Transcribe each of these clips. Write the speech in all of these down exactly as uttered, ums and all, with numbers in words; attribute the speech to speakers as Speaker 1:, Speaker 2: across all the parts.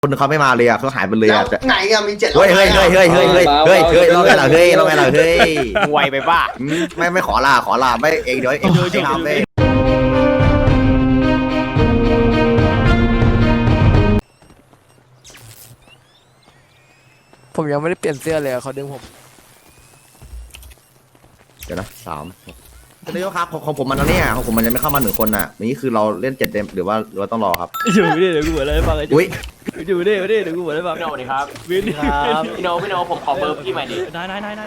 Speaker 1: คนเขาไม่มาเลยอ่ะเขาหายไปเลยอ่ะ
Speaker 2: ไหนอะมีเจ็ด
Speaker 1: เฮ้ยเฮ้ยเฮ้ยเฮ้ยเฮ้ยเฮ้ยเฮ้ยเฮ้ยเราไงล่ะเฮ้ยเราไงล่ะเฮ้ย
Speaker 3: ไวไปป่ะ
Speaker 1: ไม่ไม่ขอลาขอลาไม่เองเดี๋ยวเองเองทำเลย
Speaker 4: ผมยังไม่ได้เปลี่ยนเสื้อเลยเขาดึงผม
Speaker 1: เดี๋ยวนะสามนายกครับของผมมันแล้วเนี่ยของผมมันยังไม่เข้ามาหนึ่งคนน่ะนี่คือเราเล่นเจ็ดเดมหรือว่าหรือว่าต้องรอครับ
Speaker 4: อยู่ไม่ได้เดี๋ยวกูบอกอะไรให้ฟังไอ้จุ๊
Speaker 1: อุ้ย
Speaker 4: อยู่ไม่ได้ไม่ได้เดี๋ยวกูบอกอะไรให้ฟัง
Speaker 3: พี่โนดีครับ
Speaker 4: วินครับ
Speaker 3: พี่โนพี่โนผมขอเบอร์พี่ใหม่ดิ
Speaker 4: ได้ได้ได้ได้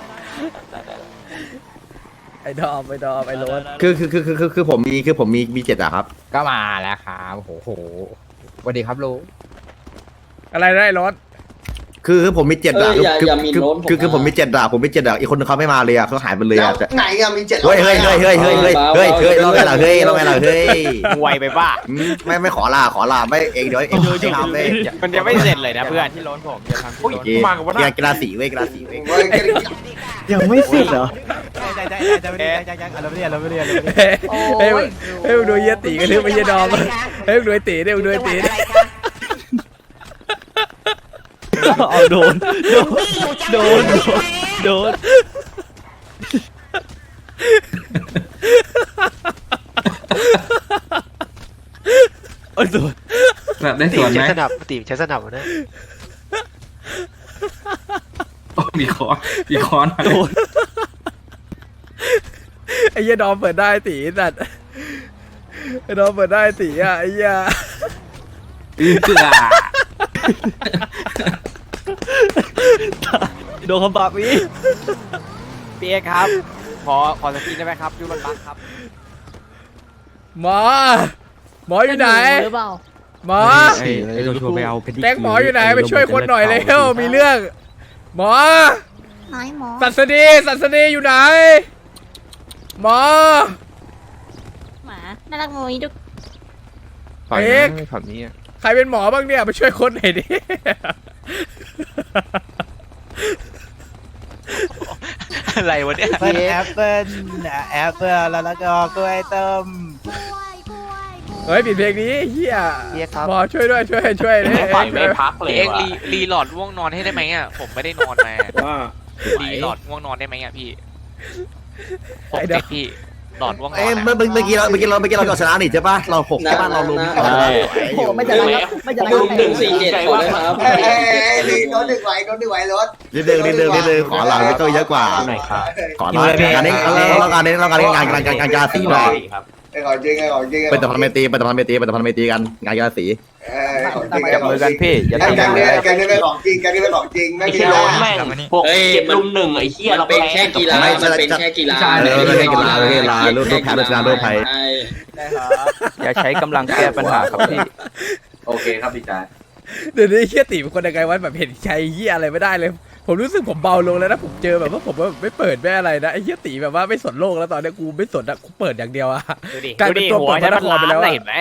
Speaker 4: ไอ้ดอมไอ้ดอมไอ้โรส
Speaker 1: คือคือคือคือคือผมมีคือผมมีมีเจ็ดอะครับ
Speaker 5: ก็มาแล้วครับโอ้โหสวัสดีครับลุง
Speaker 4: อะไรได้รถ
Speaker 1: คือคือผมมีเจ็ดอะ
Speaker 2: เอออย่า
Speaker 1: คือ
Speaker 2: อย่ามี
Speaker 1: คือ
Speaker 2: โน้ตผม
Speaker 1: คือคือผม
Speaker 2: นะ
Speaker 1: มีเจ็ดอะผมมีเจ็ดอะอีกคนนึงเขาไม่มาเลยอะเขาหายไปเลยอะ
Speaker 2: ไหนอะมีเจ็ด
Speaker 1: เฮ้ยเฮ้ยเฮ้ยเฮ้ยเฮ้ยเฮ้ยเฮ้ยเฮ้ยเราไงล่ะเฮ้ยเราไงล่ะเฮ้ย
Speaker 3: ไวไปป่ะ
Speaker 1: ไม่ไม่ขอลาขอลาไม่เองเดี๋ยวเองเองทำเลย
Speaker 3: มันยังไม่เสร็จเลยนะเพื่อน
Speaker 5: ที่ร้อนผมจะทำ
Speaker 3: อุ้ย
Speaker 5: ที่ร้อน
Speaker 3: มากับว่า
Speaker 1: กีฬากีฬาสีเว้ยกีฬาสีเว้ย
Speaker 6: ยังไม่เสร็จเหรอ
Speaker 5: ใจใจใจไม่ได้ใจใจอะไรไม่ได้อะไรไม่ได้อะไรไม่ได้
Speaker 4: เฮ้ยเฮ้ยมึงดูเยี่ยตีกันหรือไม่เยี่ยดอมเฮ้ยมึงดูไอ้ตีดิมึงดูไอ้ตีดิเอาโดนโดนโดนโดนโอ้ยโดน
Speaker 6: แบบได้ส่วนไหม
Speaker 7: ใช้สนับตีใช้สนับนะ
Speaker 6: โอ้มีคอนมีคอน
Speaker 4: โดนไอ้เหี้ยดอมเปิดได้ตีสัตว์ไอ้ดอมเปิดได้ตีอ่ะไอ้เหี้ย
Speaker 6: อื้อเกลือ
Speaker 4: โดนคำปากพี่
Speaker 3: พี่เอกครับ ขอขอสกินได้ไหมครับยูรถบัสครับ
Speaker 4: หมอหมออยู่ไหน
Speaker 8: หรือเปล่า
Speaker 4: หมอ
Speaker 5: ไอ้ไอ้เราชวนไปเอา
Speaker 4: แก๊งหมออยู่ไหนไปช่วยคนหน่อยเร็วมีเรื่อง หมอ
Speaker 8: น้อยหมอ
Speaker 4: สัสดีสัสดีอยู่ไหน หมอ
Speaker 8: หมา น่ารักมุ้ยดุก
Speaker 4: เอก
Speaker 5: ฝั่งนี้
Speaker 4: ใครเป็นหมอบ้างเนี่ยไปช่วยคนหน่อยดิ
Speaker 7: อะไรวะเนี่ย
Speaker 5: เปิ้ลแอปเปิ้ลแอปเปิ้ลแล้วก็กล้วยต้ม
Speaker 4: เฮ้ยปิดเพลงนี้เฮีย
Speaker 7: เฮียครับ
Speaker 4: หมอช่วยด้วยช่วยช่วยดิ
Speaker 3: ปล่อยไม่พักเลย
Speaker 7: เอ็ก
Speaker 3: ว่ะ
Speaker 7: รีรีหลอดง่วงนอนให้ได้ไหมอ่ะผมไม่ได้นอนมารีหลอดง่วงนอนได้ไหมอ่ะพี่ผมติดพี่หลอดง่วงนอ
Speaker 1: เอ้ย
Speaker 7: น
Speaker 1: เมื่อเมื่อกี้เราเมื่อกี้เราเมื่อกี้เราชนะนี่ใช่ปะเราหกใช่ปะเราลุม
Speaker 2: โอ้ไม่จะรักไม่จะรักหนึ่งสี่เจ็ดขอเลยครับเอ้ยเอ้ยเอ้ยโดนหนึ่งไหวโดนหนึ่งไหวรถ
Speaker 1: นิดนึงนิดนึงนิดนึงขอหลังไม่ต้องเยอะกว่าขอหลังการนี้เราการนี้เราการนี้งานการการการสีหน่อย
Speaker 2: ไอ้ขอจริงไอ้ขอจริง
Speaker 1: เป็นแต่พันเมตีเป็นแต่พันเมตีเป็นแต่พันเมตีกันงานการสี
Speaker 2: ไอ้ของจริง
Speaker 3: จับมือกันพี่อย่า
Speaker 2: ไอ้
Speaker 3: ตี
Speaker 2: แก
Speaker 3: กัน
Speaker 2: ง
Speaker 3: เล
Speaker 2: นี้
Speaker 3: ย
Speaker 2: แกงนี้เป็นของจริงแกงนี้เป็นของจริงไม่
Speaker 3: ไอ้
Speaker 2: ใช่
Speaker 3: ที่
Speaker 2: ร้
Speaker 3: ร้
Speaker 2: อ
Speaker 3: อน นแม่งพวกเจ็ดลุมหนึ่งไอ้เหี้ยเรา
Speaker 2: เป็น
Speaker 3: แพ้
Speaker 2: แค่กีฬามันเป็นแค่กีฬา
Speaker 1: เออเล่นกีฬาเล่นกีฬารูปรูปแพ้รูปชนะรูปไพ่
Speaker 5: อย่าใช้กำลังแก้ปัญหาครับพี่
Speaker 6: โอเคครับพี่จ่า
Speaker 4: เดี๋ยวนี้เฮียตีเป็นคนยังไงวะแบบเห็นใจเฮียอะไรไม่ได้เลย ผมรู้สึกผมเบาลงแล้วนะผมเจอแบบว่าผมว่าไม่เปิดไม่อะไรนะไอ้เฮียตีแบบว่าไม่สนโลกแล้วตอนนี้กูไม่สนอะกูเปิดอย่างเดียวอะ
Speaker 3: ดูดิ
Speaker 4: กลาย
Speaker 3: ดู
Speaker 4: เป็น
Speaker 3: ดิ
Speaker 4: ตัว
Speaker 3: หัว
Speaker 4: เปิด
Speaker 3: ใช้
Speaker 4: พระ
Speaker 3: มัน
Speaker 4: นคร
Speaker 3: ล้า
Speaker 4: ไปแล้ว
Speaker 3: น
Speaker 4: อะ
Speaker 3: เห็นไหม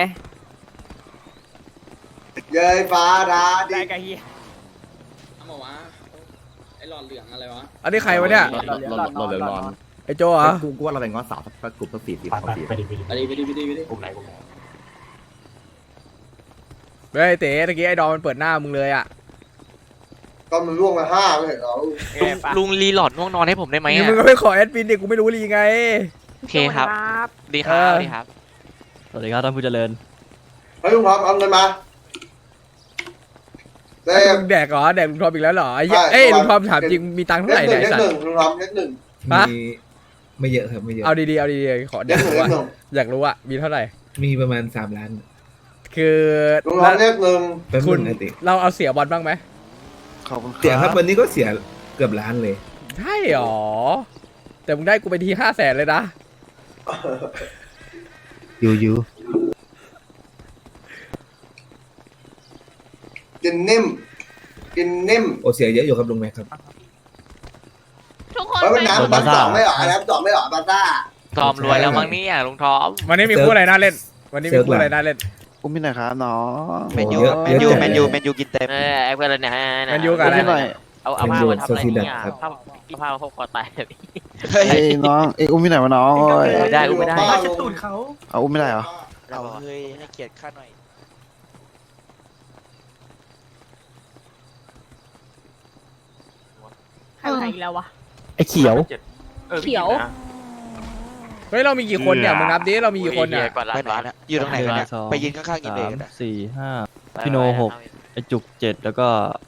Speaker 2: เย้ยฟ้าดาดิ
Speaker 3: ได้กับเหี้ย
Speaker 2: มาวะไอ้หลอดเหลืองอะไรวะ
Speaker 4: อันนี้ใครวะเนี่ย
Speaker 1: เราเราเหลือร้อน
Speaker 4: ไอ้โจเหรอ
Speaker 1: กูกูว่าเราเป็นง้อสาวสักกลุ่มสักสี่สี่สองสี่
Speaker 2: ไปดิไปดิไปดิไปดิ
Speaker 3: กลุ่มไหนกลุ่มไหน
Speaker 4: เฮ้ยเต๋ตะกี้ไอ้ดอมมันเปิดหน้ามึงเลยอะ
Speaker 2: ก็มันล่วงมาห้าไม่เห็นเหรอ
Speaker 7: ลุงลุงรีหลอดง่วงนอนให้ผมได้ไหม
Speaker 4: นี่
Speaker 7: อ่ะ
Speaker 4: มึงก็ไม่ขอแอดมินดิกูไม่รู้รีไง
Speaker 7: โอเคครับดีครับดีครับ
Speaker 4: สวัสดีครับท่านผู้เจริญ
Speaker 2: เฮ้ยลุงพร้อมเอาเงินมาเต็ม
Speaker 4: ลุงแดกเหรอแดกลุงทอมอีกแล้วเหรอไอ้เหี้ยเอ้ยลุงทอมถามจริงมีตังค์เท่า
Speaker 2: เล
Speaker 4: ไหร่
Speaker 2: ขห
Speaker 4: เนี่
Speaker 2: นึ่
Speaker 4: ย
Speaker 2: ง
Speaker 4: ไอ้
Speaker 2: เลข
Speaker 4: สัต
Speaker 2: ห
Speaker 4: ว์
Speaker 2: นึ่งลุงพร้อมเลขหนึ่ง
Speaker 4: ฮะ
Speaker 9: มีไม่เยอะครับไม่เยอะ
Speaker 4: เอาดีๆเอาดีๆขอ
Speaker 2: เล
Speaker 4: แด
Speaker 2: ข
Speaker 4: ก
Speaker 2: หนึ่ง
Speaker 4: รู้
Speaker 2: เลข
Speaker 4: ว่า
Speaker 2: หนึ่ง
Speaker 4: อยากรู้ว่ามีเท่าไหร่
Speaker 9: มีประมาณสามล้าน
Speaker 4: คือ
Speaker 2: ลุงพร้อมเลขหนึ่ง
Speaker 9: เป็น
Speaker 4: คุ
Speaker 9: คุ
Speaker 4: ณ
Speaker 9: ณติ
Speaker 4: เราเอาเสียบอลบ้างไหม
Speaker 7: ขอบคุณ
Speaker 9: เสียครับวันนี้ก็เสียเกือบล้านเลย
Speaker 4: ใช่หรอแต่มึงได้กูไปทีห้าแสนเลยนะ
Speaker 5: ยูยู
Speaker 2: กินนิ่มกินนิ่ม
Speaker 9: โอเสียเยอะอยู่ครับลุงแม็กครับ
Speaker 8: ทุกคน
Speaker 2: เฮ้ย
Speaker 8: ไป
Speaker 2: มันน้ำน้ำสองไม่หรอน้ำสองไม่หรอบาซ่า
Speaker 7: ทอมรวยแล้วมั้งเนี่ยลุงทอม
Speaker 4: วันนี้มีคู่อะไรน่าเล่น วันนี้มีคู่อะไรน่าเล่น
Speaker 5: อุ้มพี่หน่อยครับน้อง
Speaker 9: แมนยูแมนยูแมนยูแมนยู
Speaker 5: กินเต็ม
Speaker 7: เออไอ้เพื่อนเนี่ย
Speaker 4: แมนยูกับอะไร
Speaker 7: เอาเอาผ้ามาทำอะไรเนี่ยผ้าผ้ามาพกคอตาย
Speaker 5: เฮ้ยน้องเอ้ยอุ้มพี่หน่อยมาน้อง
Speaker 7: ไม่ได้อุ้มไม่ได้
Speaker 5: เอาอุ้มไม่ได้เหรอ
Speaker 7: เราเฮ้ยให้เกียรติข้าหน่อย
Speaker 8: ไหนอีกแล้ววะ
Speaker 5: ไอ้เขียว
Speaker 8: เขียว
Speaker 4: เฮ้ยเรามีกี่คนเนี่ยมึงนับดิเรามีกี่คนเนี่ย
Speaker 9: ไปไหนนะอยู่ตรงไหนกันเนี่ยไปยืนข้างๆกินเองกันนะ
Speaker 5: สี่ห้าพี่โนหกไอจุกเจ็ดแล้วก็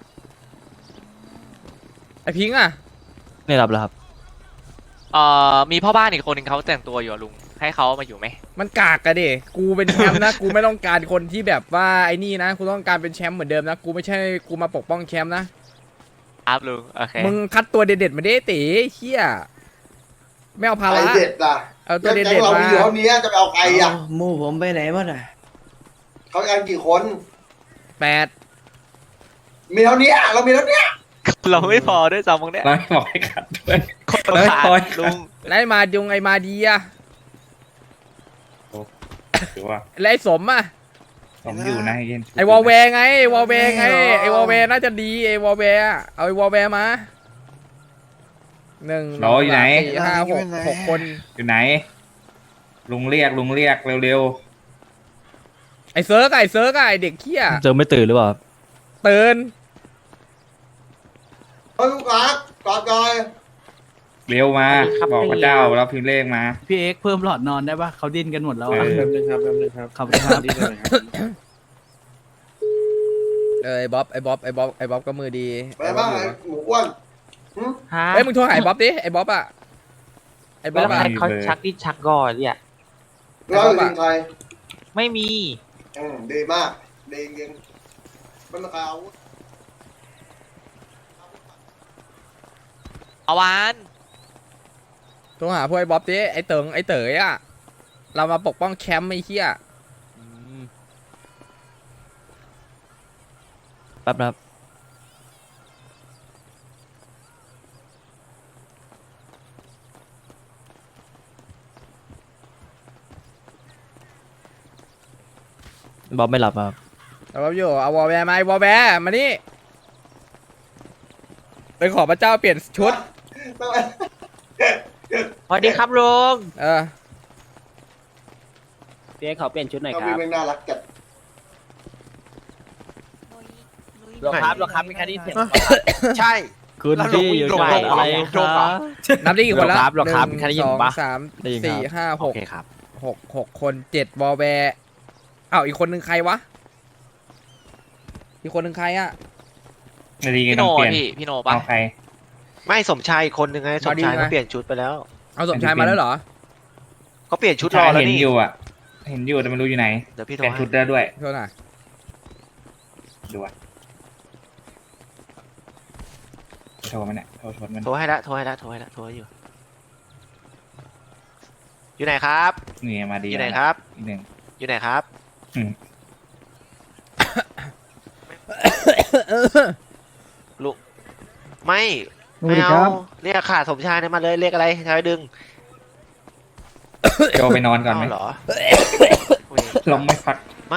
Speaker 4: ไอพิงค์อ่ะ
Speaker 5: ไม่รับแล้วครับ
Speaker 7: เอ่อมีพ่อบ้านอีกคนหนึ่งเขาแต่งตัวอยู่อะลุงให้เขามาอยู่ไหม
Speaker 4: มันกากอะดิกูเป็นแชมป์นะ กูไม่ต้องการคนที่แบบว่าไอ้นี่นะกูต้องการเป็นแชมป์เหมือนเดิมนะกูไม่ใช่กูมาปกป้องแชมป์นะ
Speaker 7: อัพลุงโอเค
Speaker 4: มึงคัดตัวเด็ดๆมาดิตีเฮียไม่เอาภา
Speaker 2: ใคร
Speaker 4: ระ
Speaker 2: เด็ดล่ะ
Speaker 4: เอาตัว
Speaker 2: แก๊
Speaker 4: เด็
Speaker 2: ง
Speaker 4: ด
Speaker 2: เรา
Speaker 4: ๆมา
Speaker 2: อยู่เท่านี้จะไปเอาใครอ่ะ
Speaker 5: หมู่ผมไปไหนมาน่ะ
Speaker 2: เขากันกี่คน
Speaker 4: แปด
Speaker 2: มีเท่านี้เรามีเท่านี้
Speaker 7: เราไม่พอด้วยซ้ำมึงเนี่ย
Speaker 6: เราบอกให้ขัดด้วย
Speaker 7: คน
Speaker 6: เฮ้ย
Speaker 7: ขาด
Speaker 6: ปล่อย
Speaker 7: ลุง
Speaker 4: แล้วไอ้มาดงไอ้มาดีอะ
Speaker 6: ถือว่า
Speaker 4: แล้วไอ้สมอะ
Speaker 6: ผมอยู่นะเย็น
Speaker 4: ไอ้วอลแวร์ไงไอ้วอลแวร์ไงไอ้วอลแวร์น่าจะดีไอ้วอลแวร์อะเอาไอ้วอลแวร์มาหนึ่งสองสามสี่ห้าหกหกคน
Speaker 6: อยู่ไหน ลุงเรียกลุงเรียกเร็ว
Speaker 4: ไอ้เซิร์กอะไอ้เซิร์กอะไอ้เด็กเขี้ย
Speaker 5: เจอไม่ตื่นหรือเปล่า
Speaker 4: เตือน
Speaker 2: เฮ้ยลูกค้ากอดจอย
Speaker 6: ๆเร็วมา บอกพระเจ้าแล้วพิมพ์เลขมา
Speaker 5: พี่เอ็กเพิ่มหลอดนอนได้ปะเขาดิ้นกันหมดแล้ว
Speaker 6: เออ
Speaker 5: แป๊บนึงครับแป๊บนึงครับขอบคุณครับ
Speaker 4: เออไอ้บ๊อบไอ้บ๊อบไอ้บ๊อบไอ้บ๊อบก็มือดี
Speaker 2: ไปบ้างไอ้หมูอ้วน
Speaker 3: ฮะ
Speaker 4: เฮ้ยมึงโทรหาไอ้บ๊อบดิไอ้บ๊อบอะไอ้บ๊อบ
Speaker 3: แล้ว
Speaker 4: อะ
Speaker 3: ใครเขาชักดิ้นชักก่อนเนี่ย
Speaker 2: เราอยู่ทีมใคร
Speaker 3: ไม่มี
Speaker 2: อืมดีมากดีจริงๆมันราคาอาวุธ
Speaker 7: เอาวาน
Speaker 4: โทรหาพวกไอ้บ๊อบดิไอ้เติงไอ้เต๋ยอะเรามาปกป้องแคมป์ไอ้เหี้ย
Speaker 5: แป๊บนะครับบ๊อบไม่หลับครับ
Speaker 4: เอาบ๊อบอยู่เอาวอลแวร์มาไอ้วอลแวร์มานี่ไปขอพระเจ้าเปลี่ยนชุด
Speaker 3: สวัสดีครับลุง
Speaker 4: เออ
Speaker 3: พี่เอ็กขอเปลี่ยนชุดหน่อย
Speaker 2: เขา
Speaker 3: ค
Speaker 2: มี
Speaker 3: รับ
Speaker 2: แม่งน่ารักจัด
Speaker 3: หลวงครับหลวงครับมีแค่นี้เสียง
Speaker 5: ใช่คุณพี่อยู่ที่ไหนอะไรครับ
Speaker 4: นับได้กี่คนแล้ว
Speaker 3: หรอครับ
Speaker 4: หนึ่ง
Speaker 3: แค่ได้ยิ
Speaker 4: ส
Speaker 3: น
Speaker 4: อง
Speaker 3: ปะ
Speaker 4: สาม
Speaker 5: ได้ยินครับ
Speaker 4: สี่ห้าห
Speaker 3: โอก เคครับ
Speaker 4: หกหกคนเจ็ดวอลแวร์อ้าวอีกคนหนึ่งใครวะอีกคนหนึ่งใครอะ
Speaker 6: นาทีกั
Speaker 7: พี่
Speaker 6: น
Speaker 7: โน
Speaker 6: ต้องเปลี่ยน
Speaker 7: พี่พี่โนปะ
Speaker 6: เอาใคร
Speaker 9: ไม่สมชายอีกคนนึงไงสมชายเขาเปลี่ยนชุดไปแล้ว
Speaker 4: เอาสมชายมาแล้วเหรอ
Speaker 9: เขาเปลี่ยนชุดร
Speaker 6: ชา
Speaker 9: อย แล้ว
Speaker 6: เห็น
Speaker 9: นี่
Speaker 6: อยู่อ่ะ เห็นอยู่แต่ไม่รู้อยู่ไหน
Speaker 9: เดี๋ยวพี่
Speaker 6: เป
Speaker 9: โทร
Speaker 6: ลี่ยน
Speaker 9: ให้
Speaker 6: ชุดได้ด้วย
Speaker 4: โทษนะ
Speaker 6: ดูอ่ะโทรมันเนี่ยโทรชนมัน
Speaker 9: โทรให้ละโทรให้ละโทรให้ละโทรให้อยู่ อยู่ไหนครับ
Speaker 6: นี่มาดี
Speaker 9: อยู่ไหนครับ
Speaker 6: อีกหนึ่ง
Speaker 9: อยู่ไหนครับ
Speaker 6: อืม
Speaker 9: ลูกไม่ไม่เอาเรียกขาดสมชายเนี่ยมาเลยเรียกอะไรชายดึง
Speaker 6: โจไปนอนก่อนไหม
Speaker 9: เาเหรอ
Speaker 6: ลมไม่พัก
Speaker 9: ไม่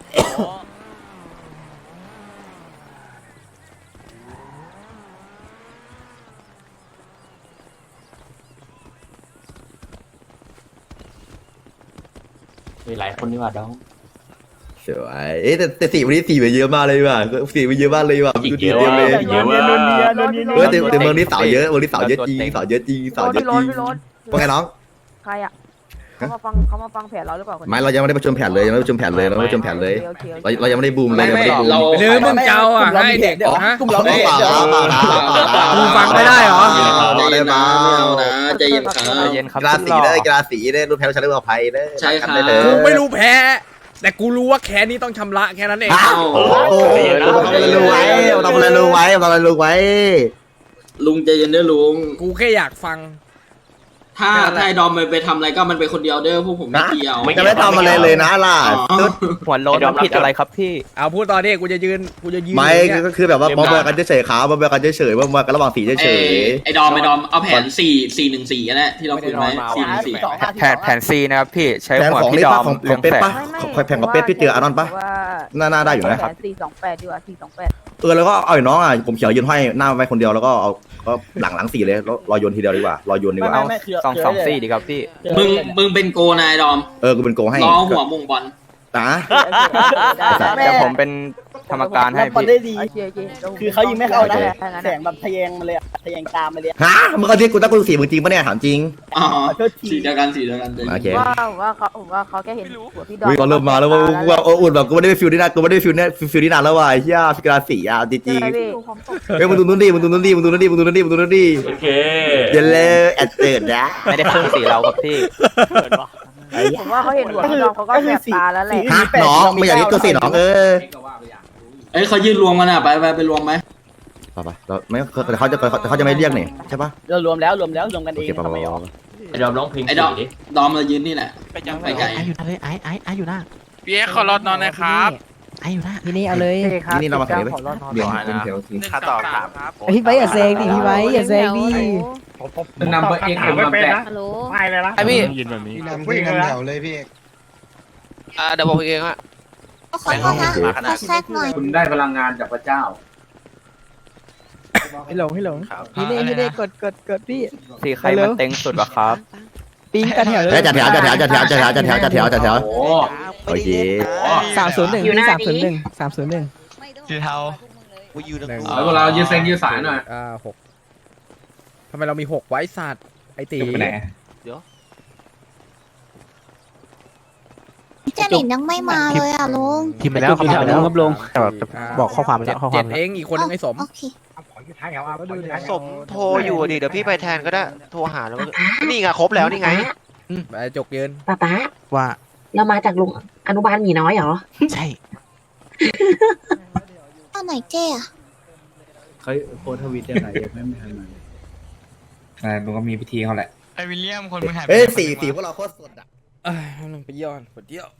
Speaker 3: มีหลายคนนี่หว่าดอง
Speaker 1: สวยเอ๊ะแต่แต่สีวันนี้สีไปเยอะมากเลยว่ะสีไปเยอะมากเลยว่ะดูดีเต็มเลย
Speaker 3: เยอะมาก
Speaker 1: เออแต่แต่เมืองนี้สาวเยอะเมืองนี้สาวเยอะจริงสาวเยอะจริงสาวเยอะจริงว่าไงน้อง
Speaker 8: ใครอ่ะเขามาฟังเขามาฟังแผนเราหรือเปล่าคน
Speaker 1: ไม่เรายังไม่ได้ประชุมแผนเลยยังไม่ได้ประชุมแผนเลยเราไม่ได้ประชุมแผนเลยเราเรายังไม่ได้บูมเลยยังไม่ได้บูม
Speaker 4: หรือมึงเจ้าอ่ะให้เด็กฮะ
Speaker 2: กลุ่มเราไม่
Speaker 1: เปล่า
Speaker 2: เดี๋ยว
Speaker 1: เปล่าเปล่าเปล่า
Speaker 4: มึงฟังไม่ได้เหรอ
Speaker 1: ได้มา
Speaker 2: ใจเย็นครับ
Speaker 5: ใจเย็นครับ
Speaker 1: กีฬาสีเลยกีฬาสีเลยรุ่นแพ้ชนะเรื่องอภัยเลย
Speaker 2: ใช่ครับ
Speaker 1: ได้เลย
Speaker 4: กูไม่รู้แพ้ แต่กูรู้ว่าแค้นนี้ต้องชำระแค่นั้นเอง
Speaker 1: อ้าวโอ้โหทำอะไรรู้ไว้ทำอะไรรู้ไว้ทำอะไรรู้ไว้
Speaker 2: ลุงใจเย็นเด้อลุง
Speaker 4: กูแค่อยากฟัง
Speaker 2: ถ้าถ้าไอ้ดอมไปไปทำอะไรก็มันไปคนเดียวเด้อพวกผมไม่เกี่ยว
Speaker 1: จะไม่ทำอะไรเลยนะล่ะสุด
Speaker 5: หัวโล้นมันผิดอะไรครับพี่
Speaker 4: เอาพูดตอนนี้กูจะยืนกูจะยืน
Speaker 1: ไม่
Speaker 4: อย่างเงี้ย
Speaker 1: ก็คือแบบว่าบอมเบอร์กันเฉยๆครับบอมเบอร์กันเฉยๆบอมเบอร์กันระหว่างสีเฉย
Speaker 2: ไอ้ดอมไอ้ดอมเอาแผนสี่สี่หนึ่งสี่ก็ได้ที่เราคุยไว้สี่หนึ่งสี่
Speaker 5: แผนแผนซีนะครับพี่ใช้
Speaker 1: ๆแผน
Speaker 5: หัว
Speaker 1: ของ
Speaker 5: พี่
Speaker 1: นี่
Speaker 5: ดอ
Speaker 1: ป้าม ของข
Speaker 5: เรื่
Speaker 1: อ
Speaker 5: อง ง
Speaker 1: เป็ด
Speaker 5: แฝ
Speaker 1: ปะแผนของเป็ดพี่เจออานนท์ปะน่าน่าได้อยู่นะ
Speaker 8: แผนสี่สองแปดดีกว่าสี่สองแปด
Speaker 1: เออแล้วก็เอาไอ้น้องอ่ะผมเขียวยืนห้อยหน้าไว้คนเดียวแล้วก็เอาก็หลังหลังสี่เลยแล้วรอโยนทีเดียวดีกว่ารอโยนดีกว่า
Speaker 5: สองสองสี่ดีครับพี่
Speaker 2: มึงมึงเป็นโกนายดอม
Speaker 1: เออกูเป็นโกให้
Speaker 2: ล้อหัวมุงบอล
Speaker 1: นะ
Speaker 5: แต่ผมเป็น
Speaker 3: ทำอาการให้
Speaker 2: บอล
Speaker 3: พี่
Speaker 2: ได้ดี
Speaker 8: โอเคโอเคดี๋วผม
Speaker 2: คือเขายิงไม่เข้านะ
Speaker 8: ถ้งั้น
Speaker 2: แสงแบบทะแยงมาเลยอะทะแยงตามมาเลยอะ
Speaker 1: ฮะมึงเอาที่กูตั้งกูสีมึงจริงปะเนี่ยถามจริง
Speaker 2: ขอโทษที
Speaker 1: โอเค
Speaker 8: ว่าผมว่าเขาผมว่าเขาแค่เห็นหัวพี่ดอน
Speaker 1: วิ่งก็เริ่มมาแล้วว่าว่าโอ้อุ่นแบบกูไม่ได้ไปฟิลนี่นานกูไม่ได้ไปฟิลเนี่ยฟิลนี่นานแล้วว่ะเฮียฟิกราสีอ่ะจริงจริง
Speaker 8: ใช่พี่
Speaker 1: เฮ้ยมึงดูนู่นดิมึงดูนู่นดิมึงดูนู่นดิมึงดูนู่นดิมึงดูนู่นดิ
Speaker 10: โอเค
Speaker 1: เดี๋ยวเลยแอดเติร์ดนะ
Speaker 3: ไม่ได้เพิ่งสีเราครับพี่
Speaker 8: ผมว่าเขาเห็นหัวพี่ดอนเขาก็แสบตาแล้วแหละ
Speaker 1: ฮะน้องไม่อยากเรียกตัวสีน้องเออ
Speaker 5: เอ้ยเขายืนรวมกันอ่ะไปไปไปรวมไหม
Speaker 1: ไปไปเราไม่แต่เขาจะแต่เขาจะไม่เรียกนี่ใช่ปะ
Speaker 2: เรารวมแล้วรวมแล้วรวมกัน
Speaker 1: โอ
Speaker 2: เอง
Speaker 1: เคไปไป
Speaker 2: ทำไม
Speaker 1: ไป
Speaker 2: ออก
Speaker 10: ไอ้ดอมร้องเพลง
Speaker 5: ไอ้ดอมดอมเรายืนนี่แหละ
Speaker 3: ไปจัง
Speaker 5: ไปไกล
Speaker 9: ไออยู่หน้าเลยไอไอไออยู่หน้า
Speaker 7: พี่เอ็กขอรถนอนนะครับ
Speaker 9: ไออยู่หน้า
Speaker 11: ทีนี้เอาเลย
Speaker 1: นี่นี่เรามาแข่งเลยไหมเดี๋ยวเป็นเทลที
Speaker 7: ค่าต่อครับ
Speaker 11: พี่ไว้อย่าแซงดิพี่ไว้อย่าแซงดิ
Speaker 5: นำไปเองผมมาแปะ
Speaker 8: ฮัลโหล
Speaker 2: ไม่เลยนะ
Speaker 7: ไอพี่
Speaker 5: พี่นำพี่นำแถวเลยพี่
Speaker 7: อ่าเดี๋ยวบอกพี่เองว่า
Speaker 8: ขอโทษนะขอแทรกหน่อย
Speaker 5: คุณได้พลังงานจากพระเจ้า
Speaker 11: ให้หลงให้หลงพี่เน่พี่เน่กดกดกดพี่
Speaker 3: สีใครมันเต็งสุดวะครับ
Speaker 11: ปิ้งกันแถวเล
Speaker 1: เฮ้ย
Speaker 11: ย
Speaker 1: จัดแถวจัดแถวจัดแถวจัดแถวจัดแถวจัดแถวจัดแถว
Speaker 5: โอ้
Speaker 1: โอเค
Speaker 11: สามศูนย์หนึ่งพี่สามศูนย์หนึ่งสามศูนย์หนึ่ง
Speaker 9: สีเทา
Speaker 5: แล้วพวกเรายืนเซงยืนสายหน่อย
Speaker 4: อ่าหกทำไมเรามีหกไว้สัตว์ไอตี
Speaker 6: ไปไหน
Speaker 8: เจนินยังไม่มาเลยอ่ะลุง
Speaker 9: พิมพ์ไปแล้วพิมพ์ไปแล้ว
Speaker 11: ครับลง
Speaker 9: บอกข้อความไป
Speaker 4: เจ็
Speaker 9: แล้
Speaker 4: ด
Speaker 9: วข้อค
Speaker 4: เจ็
Speaker 9: วาม
Speaker 4: ดเองอีกคนนึงไอ้สม
Speaker 8: โอเค
Speaker 9: สมโทรอยู่ดิเดี๋ยวพี่ไปแทนก็ได้โทรหาแล้วนี่ไงครบแล้วนี่ไง
Speaker 4: ไปจกยืน
Speaker 8: ป๊าป๊า
Speaker 9: ว่า
Speaker 8: เรามาจากลุงอนุบาลหมีน้อยเหรอ
Speaker 9: ใช่
Speaker 8: ตอนไหนเจ๊อะ
Speaker 5: เขาโพสทวิตยังไงยังไม่ทันมา
Speaker 6: อ่ามันก็มีพิธีเขาแหละ
Speaker 7: ไอวิลเลียมคนมึงหายไป
Speaker 1: เฮ้ยสีสีพวกเราโคตรสดอ่ะ
Speaker 4: เอ้ยเอาหนึ่งไปย้อนปวดเดียว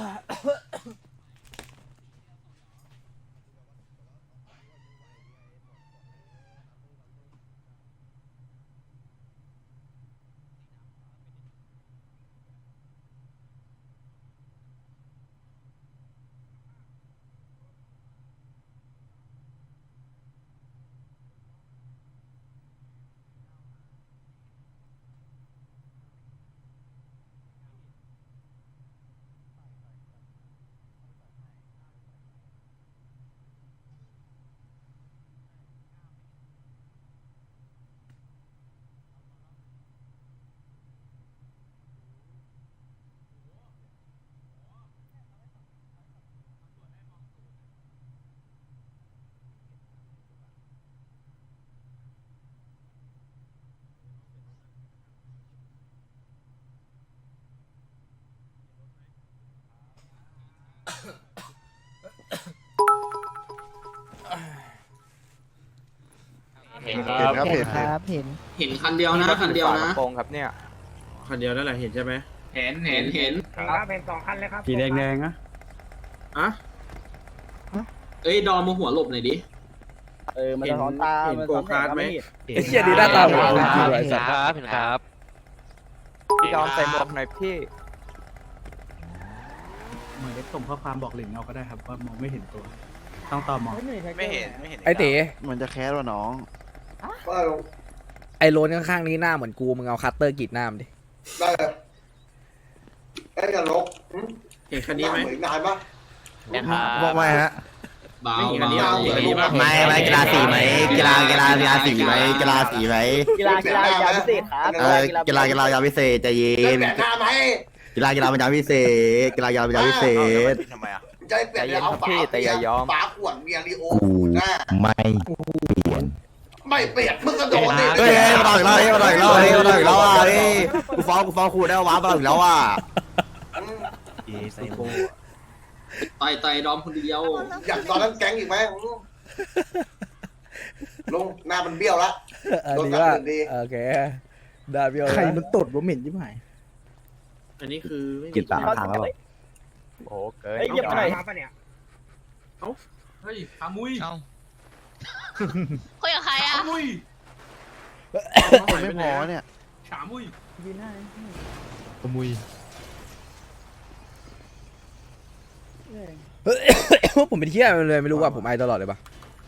Speaker 10: เห็นครับ
Speaker 11: เห็นครับเห็น
Speaker 5: เห็นคันเดียวนะคันเดียวนะ
Speaker 3: โปรงครับเนี่ย
Speaker 5: คันเดียวนั่นแหละเห็นใช่ไหมเห็นเห็นเห็น
Speaker 3: สีแดงแดงอะ
Speaker 5: อะเอ้ยดอมมาหัวหลบหน่อยดิ
Speaker 2: เออมันสะท้อนตา
Speaker 5: เห็น
Speaker 2: มัน
Speaker 5: โก
Speaker 2: สะท้อน
Speaker 5: คาร์ดไหม
Speaker 4: ไอ้เหี้ยดีหน้าตาเหมือนจริงๆเลย
Speaker 7: เห็น
Speaker 4: สัตว์
Speaker 7: ครับเห็นครับ
Speaker 3: พี่ดอนใส่หมวกหน่อยพี่
Speaker 5: เหมือนส่งข้อความบอกหลิงเอาก็ได้ครับว่ามองไม่เห็นตัว ต้องตอมอง
Speaker 3: ไม่เห็นไม่เห็น
Speaker 4: ไอ้ตี
Speaker 9: มันจะแคสว่ะน้อง
Speaker 4: ไอ้โรนข้างๆนี้หน้าเหมือนกูมึงเอาคัตเตอร์กรีดหน้ามันดิ
Speaker 1: ได้ได้จะลก
Speaker 5: เห็นคันนี้ไหม
Speaker 1: นานปะ
Speaker 7: นะครับ
Speaker 1: บอกไม่ฮะ
Speaker 5: เบาเบา
Speaker 1: ไม่ไม่กีฬาสีไหมกีฬากีฬากีฬาสีไหมกีฬาสีไหม
Speaker 2: กีฬากีฬายาพิเศษครับ
Speaker 1: เออกีฬากีฬายาพิเศษใจเย็นกีฬากีฬาเป็นยาพิเศษกีฬากีฬาเป็นยาพิเศษ
Speaker 3: ทำไมอ่ะ
Speaker 1: ใจเปลี่
Speaker 3: ใจ
Speaker 1: ยน
Speaker 3: เย็นครับพี่แต่อย่ายอม
Speaker 1: ฝาขวดเบียร์ลีโอไม่เปลี่ยนไม่เปลี่ยนมึงกระโดดเฮ้ยมาต่อยแล้วเฮ้ยมาต่อยแล้วเฮ้ยมาต่อยแล้วอ่ะเฮ้ยกูฟ้องกูฟ้องครูได้ว้ามาต่อยแล้วอ่ะ
Speaker 5: ไต่ไต่ดอมคนเดียว
Speaker 1: อยากตอนนั้นแก๊งอีกไหมลุงหน้ามันเบี้ยวละ
Speaker 4: อันนี้ว่าโอเคได้พี่โอ
Speaker 11: ใครมันตดว่าเหม็นยิ่งหาย
Speaker 5: อันนี้คือ
Speaker 1: กินตามทางแล้ว
Speaker 3: โอ้เกิน
Speaker 2: เฮ้ยเยี่ยมไปหน่อย
Speaker 5: เฮ้ยขามุย
Speaker 7: เอ้า
Speaker 8: คุยกับใครอ่ะ
Speaker 5: มุย
Speaker 9: ไม่พอเนี่ย
Speaker 5: ขามุย
Speaker 9: ขมุย
Speaker 4: ผมเป็นเที่ยเลยไม่รู้ว่าผมไอตลอดเลยปะ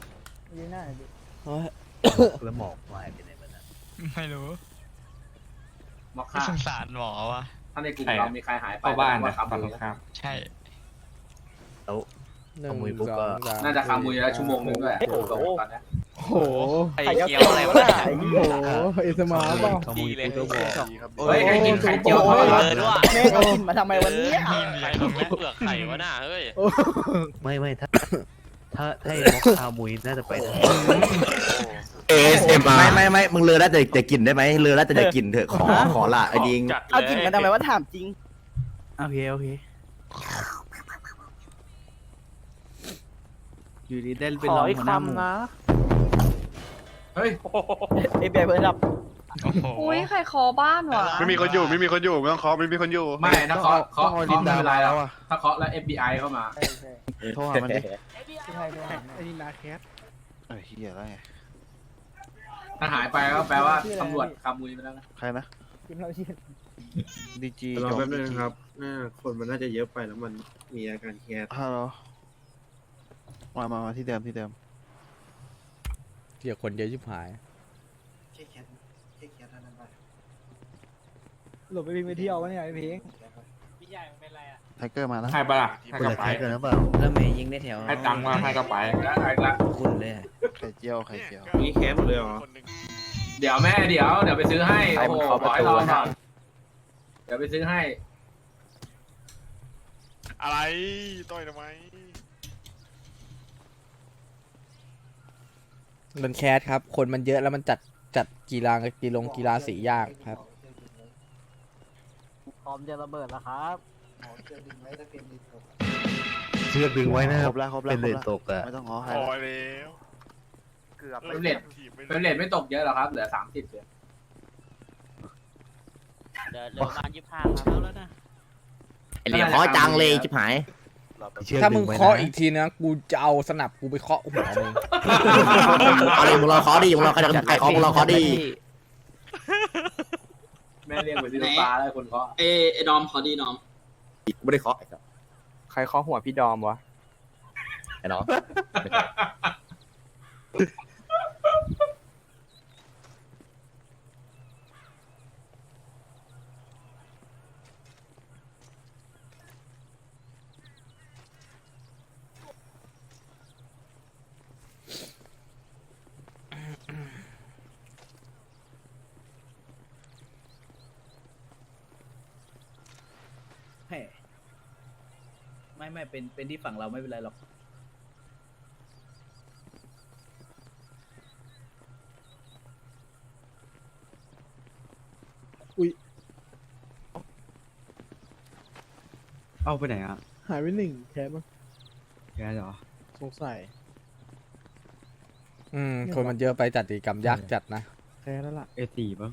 Speaker 5: แล้วหมอกวายไปไหนมัน
Speaker 7: ไม่รู้
Speaker 5: มอกค่า
Speaker 7: สงสารหมอวะ
Speaker 5: ถ้าในกลุ่มเรามีใครหายไป
Speaker 6: เข้าบ้านนะ
Speaker 5: ครับ
Speaker 6: ฝั่งตรงข้าม
Speaker 7: ใช่
Speaker 5: ม
Speaker 4: หนึ่งสองสาม
Speaker 10: น่าจะคามุยแล้วชั่วโมงนึงด้วยตอนนี้
Speaker 11: โอ้โห
Speaker 7: ไข่เจียวอะไรวะเนี่ย
Speaker 11: โอ้โหเอสมาเปล่า
Speaker 7: ดีเลย
Speaker 10: เฮ้ยใครกินไข่เจียว
Speaker 2: โอ้
Speaker 10: เข้าไป
Speaker 2: ย
Speaker 10: วะ
Speaker 2: แม่เขากินมาทำไมวันนี้
Speaker 7: ไข่ของแม่เปลือกไข่วะน่ะเฮ้ย
Speaker 9: ไม่ไม่ถ้าถ้าถ้าไอ้มอคคามุยน่าจะไปทาง
Speaker 1: เอสเอ็มไม่ไม่ไม่มึงเลอแล้วแต่จะกินได้ไหมเลอแล้วแต่จะกินเถอะขอขอละไอ้ดิง
Speaker 2: เอากินมาทำไมว่าถามจริง
Speaker 5: โอเคโอเคอยู่ดีได้เป็น
Speaker 8: ข
Speaker 5: ร
Speaker 8: อ
Speaker 5: อง
Speaker 8: อีก
Speaker 5: หัวหน้าหมู่
Speaker 8: คำนะ
Speaker 10: เฮ้ย
Speaker 2: เอฟบีไอเพิ่มรับ
Speaker 8: อุ้ยใครคอบ้านวะ
Speaker 6: ไม่มีคนอยู่ไม่มีคนอยู่ไม่ต้องเคาะไม่มีคนอยู่
Speaker 10: ไม่ถ้าเคาะเคาะเคาะไม่เป็นไรแล้วถ้าเคาะแล้ว เอฟ บี ไอ เข้ามา
Speaker 1: โทรหามันดิ
Speaker 5: ไอ้นี่นาแคส
Speaker 1: ไอ้เหี้ยอะไร
Speaker 10: ถ้าหายไปก็แปลว่าตำรวจคามุยไปแล้วนะ
Speaker 1: ใครนะ
Speaker 11: กินเราชื่อ
Speaker 1: ดีจี
Speaker 5: รอแป๊บนึงครับน่าคนมันน่าจะเยอะไปแล้วมันมีอาการแคส
Speaker 1: ฮัลโหลมามามาที่เดิมที่เดิม
Speaker 4: เกี่ยคนเยอะชิบหาย
Speaker 5: แค่แคสแค่แคสเท่านั้นไป
Speaker 11: หลบไปพิงไปเที่ยววะเนี่ยไอ้พิง
Speaker 1: ไทเกอร์มาแล้ว
Speaker 6: ให้ปะล่ะให้กระไป
Speaker 9: เกินหรือเปล่าแล้วเมย์ยิงได้แถว
Speaker 6: ให้ตังค์มาให้กระไป
Speaker 10: แล้วไอ้ละ
Speaker 9: คุณเลย
Speaker 1: ไข่เจียวไข่เจียว
Speaker 5: นี่แคสหมดเลยเหรอ
Speaker 10: เดี๋ยวแม่เดี๋ยวเดี๋ยวไปซื้อให้โอ้โหบอกให้รอหน่อยเดี๋ยวไปซื้อให้
Speaker 6: อะไรต่อยทำไม
Speaker 4: มันแคสครับ คนมันเยอะแล้วมันจัดจัดกีฬากีฬากีฬาสียากครับ
Speaker 8: พร้อมจะระเบิดแล้วครับ
Speaker 9: เชือกดึงไว้นะ
Speaker 1: ครบแล้วครบแล้ว
Speaker 9: เป็นเลนตกอะ
Speaker 1: ไม่ต้องง้อใคร
Speaker 6: พอแล้ว
Speaker 7: เกือบ
Speaker 10: เป็นเลทเป็นเลทไม่ตกเยอะหรอกครับเหลือสามสิบเดียว
Speaker 8: เดี๋ยวเหลือประมาณยี่สิบห้าครับแล้วนะ
Speaker 1: ไอ้เหลี่ยมขอจังเลยชิบหาย
Speaker 4: ถ้ามึงเคาะอีกทีนะกูจะเอาสนับกูไปเคาะหัวมึง
Speaker 1: เอาดิมึงรอขอดิมึงรอใครจะใครขอมึงรอขอดิ
Speaker 10: แม่เรียกเหมือนที่ลูกปลาแล้วคนเคาะ
Speaker 2: เอไอดอมขอดีดอม
Speaker 1: กูไม่ได้เคาะไอ้สัส
Speaker 3: ใครเคาะหัวพี่ดอมวะ
Speaker 1: ไอ้น้อง
Speaker 5: ไม่ไม่เป็นเป็นที่ฝั่งเราไม่เป็นไรหรอก เอาไปไหนอ่ะ
Speaker 11: หายไปหนึ่งแคสมั้ง
Speaker 5: แกเหรอ
Speaker 11: สงสัย
Speaker 4: อืมคนมันเยอะไปจัดกิจกรรมยากจัดนะ
Speaker 11: แคสแล้วล่ะ
Speaker 5: เอสี่ป่ะ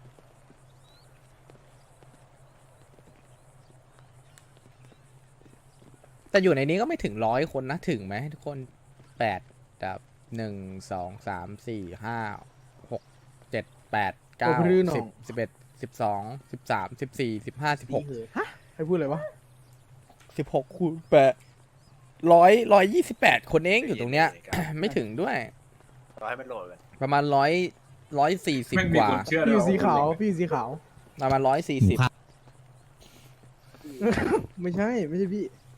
Speaker 4: แต่อยู่ในนี้ก็ไม่ถึงร้อยคนนะถึงไหมทุกคนแปดแบบหนึ่งสองสามสี่ห้าหกเจ็ดแปดเก้าสิบสิบเอ็ดสิบสองสิบสามสิบสี่สิบห้าสิบหก
Speaker 11: ฮะใครพูดอะไรวะ
Speaker 4: สิบหกคูณแปดร้อยร้อยยี่สิบแปดคนเองอยู่ตรงเนี้ย ไม่ถึงด้วย
Speaker 7: ร้อยมันโหลดเลย
Speaker 4: ประมาณร้อยร้อยสี่สิบ
Speaker 10: ไม่
Speaker 4: ก
Speaker 10: มี
Speaker 4: ว่า
Speaker 10: คนเชื่อ
Speaker 11: พี่อยู่สีขาว พี่อยู่สีขาว
Speaker 4: ประมาณร้อยสี่สิบ
Speaker 11: ไม่ใช่ ไม่ใช่พี่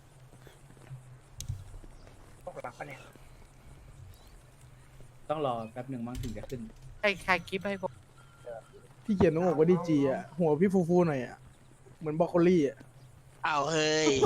Speaker 5: ต้องรอแป๊บหนึ่งมั้งถึงจะขึ้น
Speaker 7: ใครใครคลิปให้ผม
Speaker 11: พี่เขียนน้องบอกว่าดีจีอ่ะ หัวพี่ฟูฟูหน่อยอ่ะ เหมือนบรอกโคลี่อ่ะ
Speaker 7: เอาเฮ้ย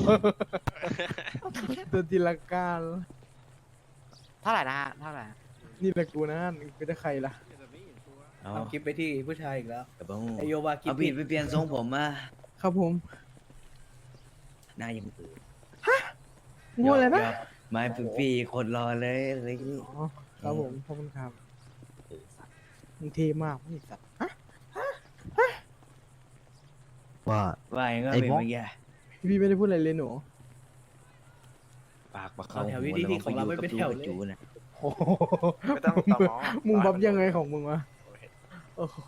Speaker 11: ตัวจินตนาการ
Speaker 7: เท่าไหร่นะฮะเท่าไหร่
Speaker 11: นี่แหละกูนะไม่ได้ใครล่ะ
Speaker 5: เอาคลิปไปที่ผู้ชายอีกแล้ว
Speaker 9: แต่บ้าง
Speaker 5: ไอโยวากิ
Speaker 9: เอาผิดไปเปลี่ยนทรงผมมา
Speaker 11: ครับผม
Speaker 9: หน้ายังอื่น
Speaker 11: งูอะไรนะ
Speaker 9: ไม่ปีคนรอเลยอะไรนี่
Speaker 11: อ๋อ ครับผม ขอบคุณครับมึงเทมากนี่สัตว์ฮะ
Speaker 9: ว่าว่าอย่างก็เป็นเมื่อกี้
Speaker 11: พี่ไม่ได้พูดอะไรเลยหนู
Speaker 9: ปากปากเขา
Speaker 5: แถวที่ที่ของเราไม่เป็นแถวเลย
Speaker 9: จูนะ
Speaker 11: โอ้โห
Speaker 7: ไม่ต้องต่อหมอ
Speaker 11: มึงบับยังไงของมึงวะโอ้โห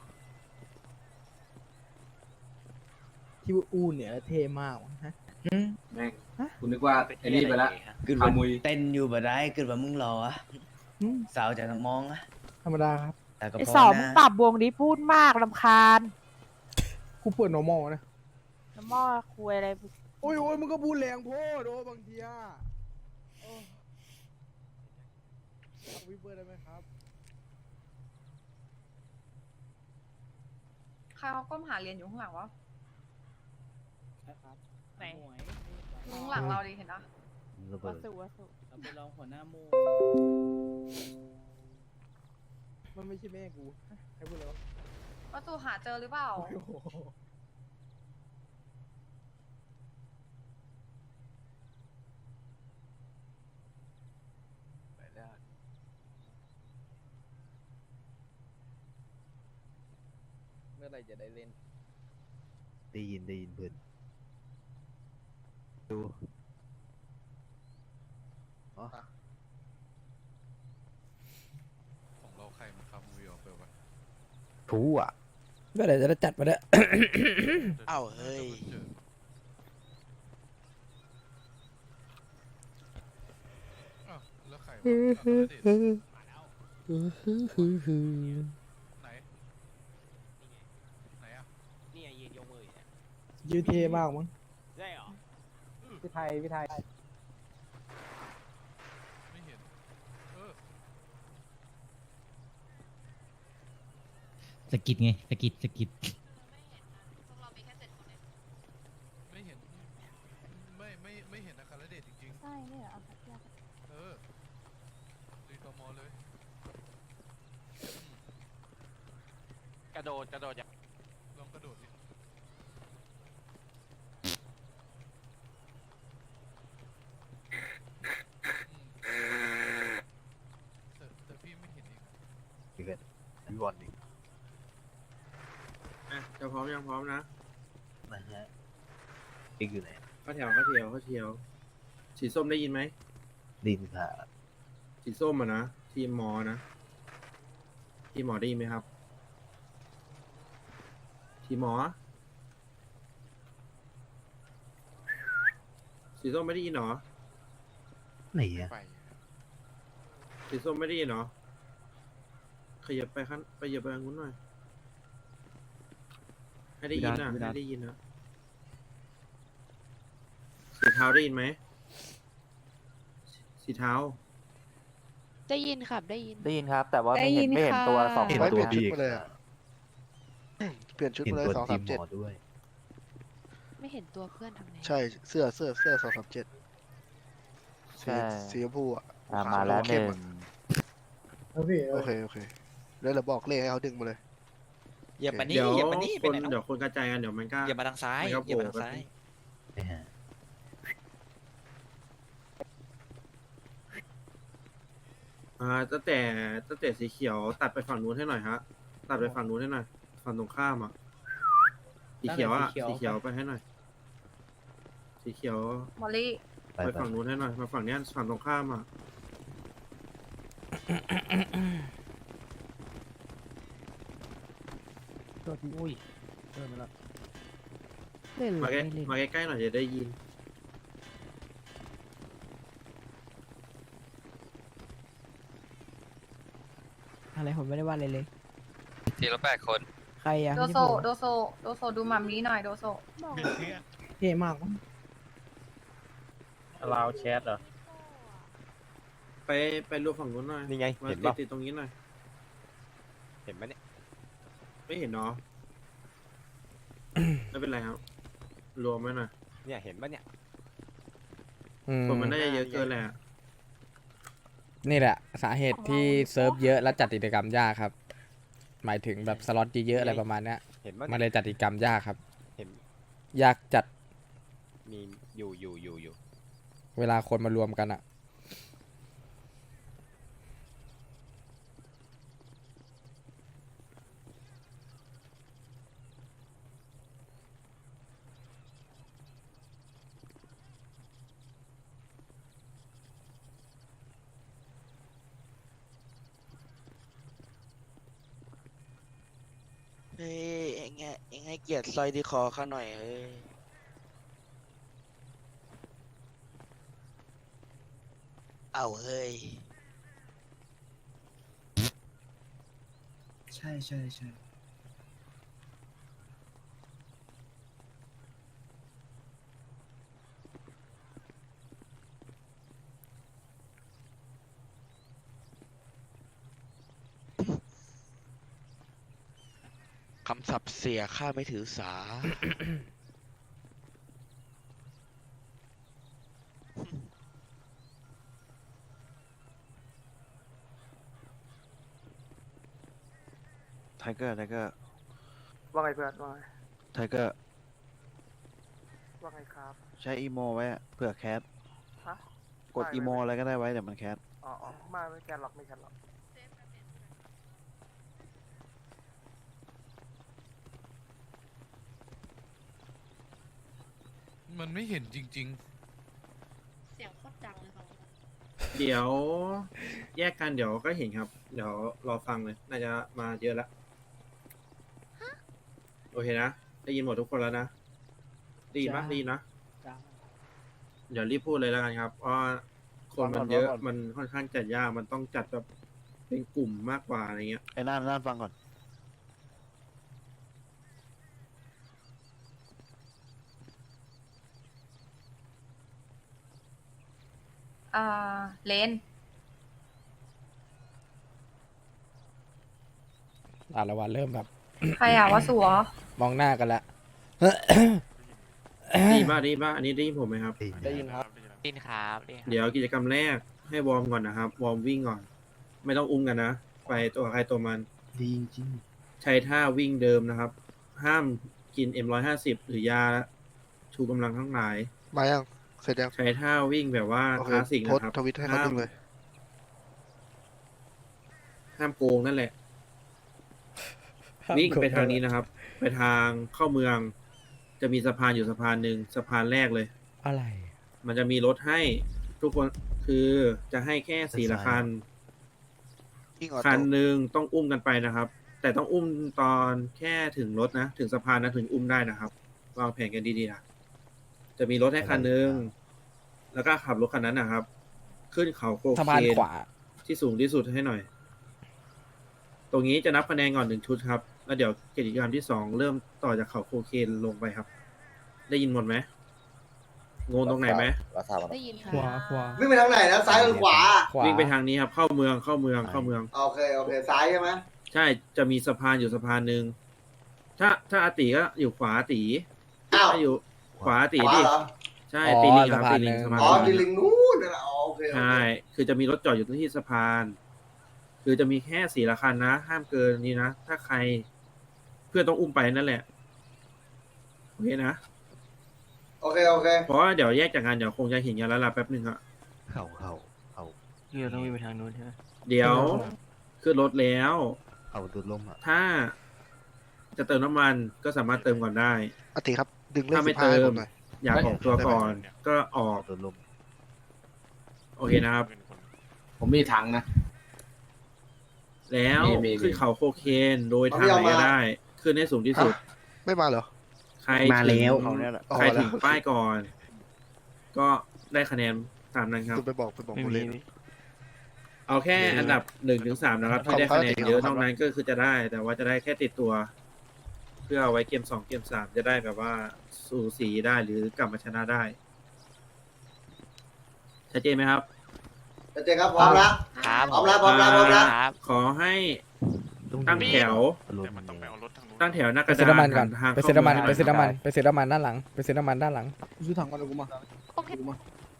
Speaker 11: ที่ว่าอู้เนี่ยเท่มากวะฮะ
Speaker 10: แม่งคุณนึกว่าไอ้นี่ไปแล้ว
Speaker 9: คือ
Speaker 10: ขมุย
Speaker 9: เต้นอยู่บ่ได้คือว่ามึงรออะ
Speaker 11: อืม
Speaker 9: สาวจะมองอะ
Speaker 11: ธรรมดาครับ
Speaker 9: แต่ก็
Speaker 8: ไอ
Speaker 9: พอ
Speaker 8: สอง
Speaker 9: นะ
Speaker 8: ปรับวงนี้พูดมากลำคาญ
Speaker 11: กูเปิด normal นะ
Speaker 8: น้ำมอคุยอะไร
Speaker 11: โอ้ยโอ้ยมึงก็พูดแรงโพดโอ้บางทีอ่ะโอ้เอาวิบเบอร์ได้ไหมครับ
Speaker 8: ใครเขาก้มหาเหรียญอยู่ข้างหลังวะ
Speaker 5: ใช่ครับ
Speaker 8: ไหน
Speaker 5: หมวย
Speaker 8: ข้างหลังเราดิเห็นนะ
Speaker 1: ระเบิ
Speaker 8: วั
Speaker 1: ด
Speaker 8: สุวัสุ
Speaker 5: เราไปลองหัวหน้าหมู
Speaker 11: มันไม่ใช่แม่กูใครพูดเลยวะ
Speaker 8: วัสุหาเจอหรือเปล่า
Speaker 11: โอ้โห
Speaker 3: เมื่อไหรจะได้เล่น
Speaker 1: ได้ยินได้ยินเพื่อนดู
Speaker 10: ของเราใครมันทำวีออกไปวะ
Speaker 1: ทูอ่ะ
Speaker 4: เมื่อไหรจะได้จัดมาเนี่ย
Speaker 9: เอ้าเฮ้ย
Speaker 10: แล้วใคร
Speaker 4: ฮึ
Speaker 10: วะ
Speaker 4: ฮึฮึฮึฮึฮึ
Speaker 10: ไหนไหนอ่ะ
Speaker 3: นี่ยืนยกมืออยู่เนี่ย
Speaker 11: ยืดเทมากมั้ง
Speaker 3: ใช่เหรอ
Speaker 11: พี่ไทยพี่ไทย
Speaker 10: ไม่เห็นเออ
Speaker 5: สกิดไงสกิดสกิด
Speaker 10: ไม่เห็นไม่ไม่ไม่เห็นอาคารเดชจริง
Speaker 8: ใช่เนี่ยเอาสักอย่าง
Speaker 10: ๆเออรีตอมอเลย
Speaker 3: กระโดดกระโดดอย่าง
Speaker 10: ลองกระโดดดิแต่แต่พี่ไม่เห็นเอง
Speaker 1: พี่เกิดพี่บอลดิ
Speaker 2: อ่ะจะพร้อมยังพร้อมนะ
Speaker 1: นะฮะเอ็กอยู่ไหน
Speaker 2: ข้าแถวข้าเทียวข้าเทียวสีส้มได้ยินไหม
Speaker 1: ดินค่ะ
Speaker 2: สีส้มอ่ะนะทีมหมอนะทีมหมอได้ยินไหมครับ ทีมหมอ สีส้มไม่ได้ยินเหรอ
Speaker 1: ไหนอ่ะ
Speaker 10: ไป
Speaker 2: สีส้มไม่ได้ยินเหรอขยับไปขั้นไปเหยียบไปทางนู้นหน่อยให้ได้ยินนะให้ได้ยินนะสีเทาได้ยินไหมสีเทา
Speaker 8: ได้ยินครับได้ยิน
Speaker 3: ได้ยินครับ แต่ว่าไม่เห็นไม่เห็นตัวสอง
Speaker 1: เห็น
Speaker 3: คน
Speaker 1: ตัวพี่อีก
Speaker 9: เปลี่ยนชุด
Speaker 1: เห็น
Speaker 9: มาเลย
Speaker 1: ตัว
Speaker 9: สอง
Speaker 1: ที
Speaker 9: สาม ม
Speaker 1: หม
Speaker 9: เจ็ด
Speaker 1: อด้วย
Speaker 8: ไม่เห็นตัวเพื่อนทำไง
Speaker 9: ใช่เสื้อเสื้อเสื้อสองสามเจ็ดสีสีชมพูอ่ะ
Speaker 3: มาแล้วหนึ่ง
Speaker 11: เอาพี่
Speaker 9: โอเคโอเคแล้วเราบอกเลขให้เขาดึงมาเลย
Speaker 3: เหยียบมานี่
Speaker 2: เดี๋ยว
Speaker 3: เหยียบมานี่
Speaker 2: ค
Speaker 3: เป็น
Speaker 2: น
Speaker 3: ไหน
Speaker 2: เดี๋ยวคนกระจายกันเดี๋ยวมันก็
Speaker 3: เหยียบมาทางซ้าย
Speaker 2: มันก็
Speaker 3: เหยียบมาทาง
Speaker 2: โผล่
Speaker 3: ซ้าย
Speaker 1: นะฮะ
Speaker 2: อ่าตั้งแต่ตั้งแต่สีเขียวตัดไปฝั่งนู้นให้หน่อยฮะตัดไปฝั่งนู้นให้หน่อยฝั่งตรงข้ามอ่ะสีเขียวอ่ะสีเขียวไปให้หน่อย สีเขียว
Speaker 8: มอลลี่
Speaker 1: ไป
Speaker 2: ไป
Speaker 1: ไป
Speaker 2: ฝั่งนู้นให้หน่อยมาฝั่งเนี้ยฝั่งตรงข้ามอ่ะ
Speaker 11: ตัวทีอุ้ยเดินมาแล้ว
Speaker 8: เล่น
Speaker 2: มาใกล้มาใกล้ๆหน่อยจะได้ยิน
Speaker 8: อะไรผมไม่ได้ว่าอะไรเลย
Speaker 7: ทีละแปดคน
Speaker 8: ใครอะโดโซโดโซโดโซดูมัมมี่หน่อยโดโซ
Speaker 11: เท่มากมั้ง
Speaker 5: ลาวแชทเหรอ
Speaker 2: ไปไปรูปฝั่งนู้นหน่อย
Speaker 3: นี่ไง
Speaker 2: มา
Speaker 3: เห็น
Speaker 2: ติด
Speaker 3: ป่ะ
Speaker 2: ติดตรงนี้หน่อย
Speaker 3: เห็นไหมเนี่ย
Speaker 2: ไม่เห็นเนาะ ไม่เป็นไรครับ รวมไว้หน่อย
Speaker 3: เนี่ยเห็นป่ะเนี่ย
Speaker 4: อืม
Speaker 2: ผมมันน่าจะเยอะเกินแหละ
Speaker 4: นี่แหละ สาเหตุที่เซิร์ฟเยอะและจัดกิจกรรมยากครับ หมายถึงแบบสล็อตเยอะๆอะไรประมาณเนี้ย
Speaker 3: เห็นป่ะ
Speaker 4: มันเลยจัดกิจกรรมยากครับ
Speaker 3: เห็น
Speaker 4: ยากจัด
Speaker 3: มีอยู่อยู่อยู่อยู่
Speaker 4: เวลาคนมารวมกันอะ
Speaker 9: เฮ้ยเองไงเองให้เกียรติซอยดีคอเขาหน่อยเฮ้ยเอาเฮ้ย
Speaker 2: ใช่ใช่ใช่
Speaker 9: ำศัพท์เสียข้าไม่ถือสา
Speaker 1: ไทเกอร์ไทเกอร์
Speaker 8: ว่าไงเพื่อนว่าไง
Speaker 1: ไทเกอร์
Speaker 8: ว่าไงครับ
Speaker 1: ใช้อีโมไว้อะเผื่อแคส
Speaker 8: ฮะ
Speaker 1: กดอีโมอะไรก็ได้ไว้เดี๋ยวมันแคส
Speaker 8: อ๋ออ๋อไม่ไม่แกนหรอกไม่แกนหรอก
Speaker 12: มันไม่เห็นจริง
Speaker 8: เสียงโคตรดังเลยค่ะ
Speaker 2: เดี๋ยวแยกกันเดี๋ยวก็เห็นครับ เดี๋ยวรอฟังเลย น่าจะมาเยอะแล้วโอเคนะ ได้ยินหมดทุกคนแล้วนะได้ยินปะได้ยินนะ เดี๋ยวรีบพูดเลยแล้วกันครับ เพราะว่าคนมันเยอะ มันค่อนข้างจัดยาก มันต้องจัดแบบเป็นกลุ่มมากกว่าอะไรเงี้ย
Speaker 1: ไอ้น่านน่านฟังก่อน
Speaker 8: อ่าเลน
Speaker 4: อ่ะละวันเริ่มแบบ
Speaker 8: ใครอ่ะวะสัว
Speaker 4: มองหน้ากันละ
Speaker 2: ได้ยินป่ะได้ยินป่ะอันนี้ได้ยินผมไหมครับ
Speaker 11: ได้ยินครับ
Speaker 7: ดินครับดินครับ
Speaker 2: เดี๋ยวกิจกรรมแรกให้วอร์มก่อนนะครับ วอร์มวิ่งก่อน ไม่ต้องอุ้มกันนะ ไปตัวใครตัวมัน
Speaker 1: ดีจริง
Speaker 2: ใช้ท่าวิ่งเดิมนะครับ ห้ามกิน เอ็ม ร้อยห้าสิบ หรือยาชูกำลังทั้งหลาย
Speaker 9: มายัง เสร็จยัง
Speaker 2: ใช้ท่าวิ่งแบบว่า
Speaker 9: โอ
Speaker 2: ค
Speaker 9: เค
Speaker 2: ลาสสิก
Speaker 9: โพส
Speaker 2: นะครับ
Speaker 9: ต์ทวิตให้เขา
Speaker 2: ห้าม
Speaker 9: ดูเลย
Speaker 2: ห้ามโกงนั่นแหละ วิ่งไปทางนี้นะครับ ไปทางเข้าเมือง จะมีสะพานอยู่สะพานหนึ่งสะพานแรกเลย
Speaker 4: อะไร
Speaker 2: มันจะมีรถให้ทุกคนคือจะให้แค่สี่ละคัน
Speaker 9: ยิ่งออ
Speaker 2: คัน
Speaker 9: โต้
Speaker 2: หนึ่งต้องอุ้มกันไปนะครับ แต่ต้องอุ้มตอนแค่ถึงรถนะ ถึงสะพานนะถึงอุ้มได้นะครับ วางแผนกันดีๆนะจะมีรถให้คันหนึ่งแล้วก็ขับรถคันนั้นนะครับ ขึ้นเขาโค
Speaker 4: สะ
Speaker 2: เคน
Speaker 4: พานขวา
Speaker 2: ที่สูงที่สุดให้หน่อย ตรงนี้จะนับคะแนนก่อนหนึ่งชุดครับ แล้วเดี๋ยวกิจกรรมที่สองเริ่มต่อจากเขาโคเคนลงไปครับ ได้ยินหมดไหมงงตรงไหนไหม
Speaker 8: ได้ยินค่ะ
Speaker 11: ขวาขวา
Speaker 1: วิ่งไปทางไหนนะซ้ายหรือขวา
Speaker 4: ขวา
Speaker 2: วิ่งไปทางนี้ครับ เข้าเมืองเข้าเมืองเข้าเมือง
Speaker 1: โอเคโอเคซ้ายใช่ไหม
Speaker 2: ใช่ จะมีสะพานอยู่สะพานหนึ่ง ถ้าถ้าอาติก็อยู่ขวาอาติ
Speaker 1: อ้าว
Speaker 2: ถ้าอยู่ขวาอาติ
Speaker 1: ขวา
Speaker 2: ดิ
Speaker 1: เหรอ
Speaker 2: ใช่
Speaker 4: อ๋อ
Speaker 2: ตีลิงครับ
Speaker 4: สะพาน
Speaker 2: ตีลิง
Speaker 4: หนึ่ง
Speaker 2: สะพาน
Speaker 1: อ๋อ
Speaker 2: ห
Speaker 1: ดิ
Speaker 2: นึ่ง
Speaker 1: ลิงนู้นนั่นแหละอ๋อโอเคโอเค
Speaker 2: ใช่ คือจะมีรถจอดอยู่ที่สะพาน คือจะมีแค่สี่ละคันนะ ห้ามเกินนี้นะ ถ้าใครเพื่อนต้องอุ้มไปนั่นแหละ โอเคนะ
Speaker 1: โอเคโอเค
Speaker 2: เพราะว่าเดี๋ยวแยกจากงานเดี๋ยวคงจะเห็นกันแล้วล่ะแป๊บหนึ่งอะ
Speaker 1: เขาเขาเขา
Speaker 5: เราต้องวิ่งไปทางนู้นใช่ไหม
Speaker 2: เดี๋ยวขึ้นรถแล้ว
Speaker 1: เขาดูดลมอ่ะ
Speaker 2: ถ้าจะเติมน้ำมันก็สามารถเติมก่อนได้
Speaker 9: อาติครับ ดึงเลข
Speaker 2: ถ้าไม่
Speaker 9: สิบห้า
Speaker 2: เติ
Speaker 9: ให้ผม มหน่อย
Speaker 2: อยากออกตัวก่อน ก็ออก
Speaker 1: ดูดลม
Speaker 2: โอเคนะครับ
Speaker 10: ผมมีถังนะ
Speaker 2: แล้ว
Speaker 10: มีมี
Speaker 2: ขึ้นเขาโคเคนโดยทางไหนก็ได้ ขึ้นให้สูงที่สุด
Speaker 9: ไม่มาเหรอ
Speaker 2: ใคร
Speaker 11: มาแล้ว
Speaker 2: ถึง
Speaker 1: เขาเนี่ยแหละ
Speaker 9: อ๋อ
Speaker 2: ใครถึง
Speaker 9: แล้ว
Speaker 2: ป้ายก่อน ก็ได้คะแนนตามนั้นครับ
Speaker 9: คุณไปบอกไปบอกคนเล่น
Speaker 2: เอาแค่อันดับหนึ่งถึงสามนะครับ ที่ได้คะแนนเยอะนอกนั้นก็คือจะได้ แต่ว่าจะได้แค่ติดตัว เพื่อเอาไว้เกมสองเกมสามจะได้แบบว่าสูสีได้หรือกลับมาชนะได้ชัดเจนไหมครับ
Speaker 1: เจ๊ครับพร้อมละ
Speaker 7: ครับ
Speaker 1: พร้อมแล้วพร้อมแล้วพร้อมแล้ว
Speaker 7: ครับ
Speaker 2: ขอให้ตั้งแถว
Speaker 6: แต่มันต้องไปเอารถทางนู้น
Speaker 2: ตั้งแถวหน้าก
Speaker 4: ไประ ซื้อ
Speaker 2: ดาน
Speaker 4: น้ำมันก่อน
Speaker 2: ทาง
Speaker 4: ไปซื้อน้ำมัน
Speaker 2: เข้า
Speaker 4: ไป
Speaker 2: เมืง
Speaker 4: ซื้อน้ำมันไปซื้อน้ำมันด้านหลังไปซื้อน้ำมันด้านหลัง
Speaker 11: ซื้อถังก่อนเดี๋ยวกูมา
Speaker 8: โอเค
Speaker 11: กูมา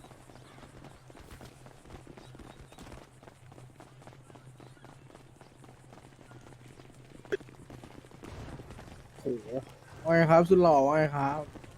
Speaker 11: โอ้โหว่าไงครับสุดหล่อว่าไงครับ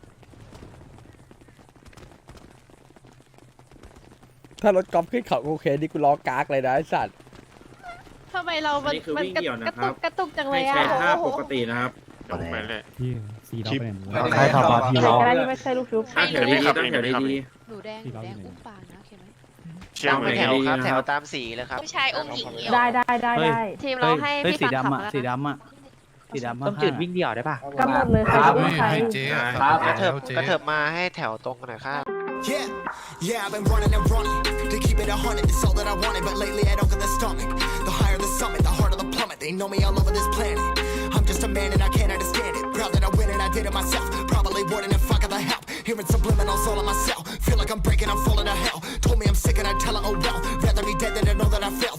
Speaker 4: ถ้ารถกอล์ฟขึ้นเขาโอเคนี่กูล้อกากเลยนะไอ้สัตว์
Speaker 8: ทำไมเรา
Speaker 2: อันนี้คือวิ่งเดี่ยวนะครับ
Speaker 8: กระตุกจังเล
Speaker 2: ให้
Speaker 8: ยอ่ะ
Speaker 2: ใช้ท่าปกตินะครับ
Speaker 6: เดี๋ยวผมไปเลย
Speaker 5: ใครขับมาที
Speaker 8: อะไร
Speaker 5: เรา
Speaker 8: ก็ได้ที่ไม่ใช่ลูกชุบ
Speaker 2: ตั้งแถวดีๆตั้งแถวดี
Speaker 8: หนูแดงหนูแดงอุ้มปางนะโอเคไหม
Speaker 6: เชื่อม
Speaker 2: ตั้
Speaker 6: เล
Speaker 2: ง
Speaker 6: ย
Speaker 2: แถวดีๆนะครับ
Speaker 9: ตามสีเลยครับ
Speaker 8: ผู้ชายอุ้มหญิงได้ได้ได้ได้ทีมเราให้
Speaker 5: เฮ้ย
Speaker 8: พี่
Speaker 5: สี
Speaker 8: ฟังขับ
Speaker 5: ดำอ่ะ
Speaker 8: แล้ว
Speaker 5: สี
Speaker 8: นะ
Speaker 5: ดำอ่ะสีดำ
Speaker 3: ต้มจืดวิ่งเดี่ยวได้ป่ะ
Speaker 8: กำหนดเลยใครจะอุ้มใคร
Speaker 12: ให้เจ๊อะ
Speaker 10: ครับ
Speaker 12: ขั
Speaker 9: กระเถิบ
Speaker 12: แล้วเจ๊
Speaker 9: กระเถิบมาให้แถวตรงกันหน่อยครับ
Speaker 13: Yeah, yeah, I've been running and running to keep it a hundred. It's all that I wanted, but lately I don't get the stomach. The higher the summit, the harder the plummet. They know me all over this planet. I'm just a man and I can't understand it. Proud that I win and I did it myself. Probably wouldn't if I got the help. Hearing subliminals all on myself. Feel like I'm breaking, I'm falling to hell. Told me I'm sick and I tell her, oh well.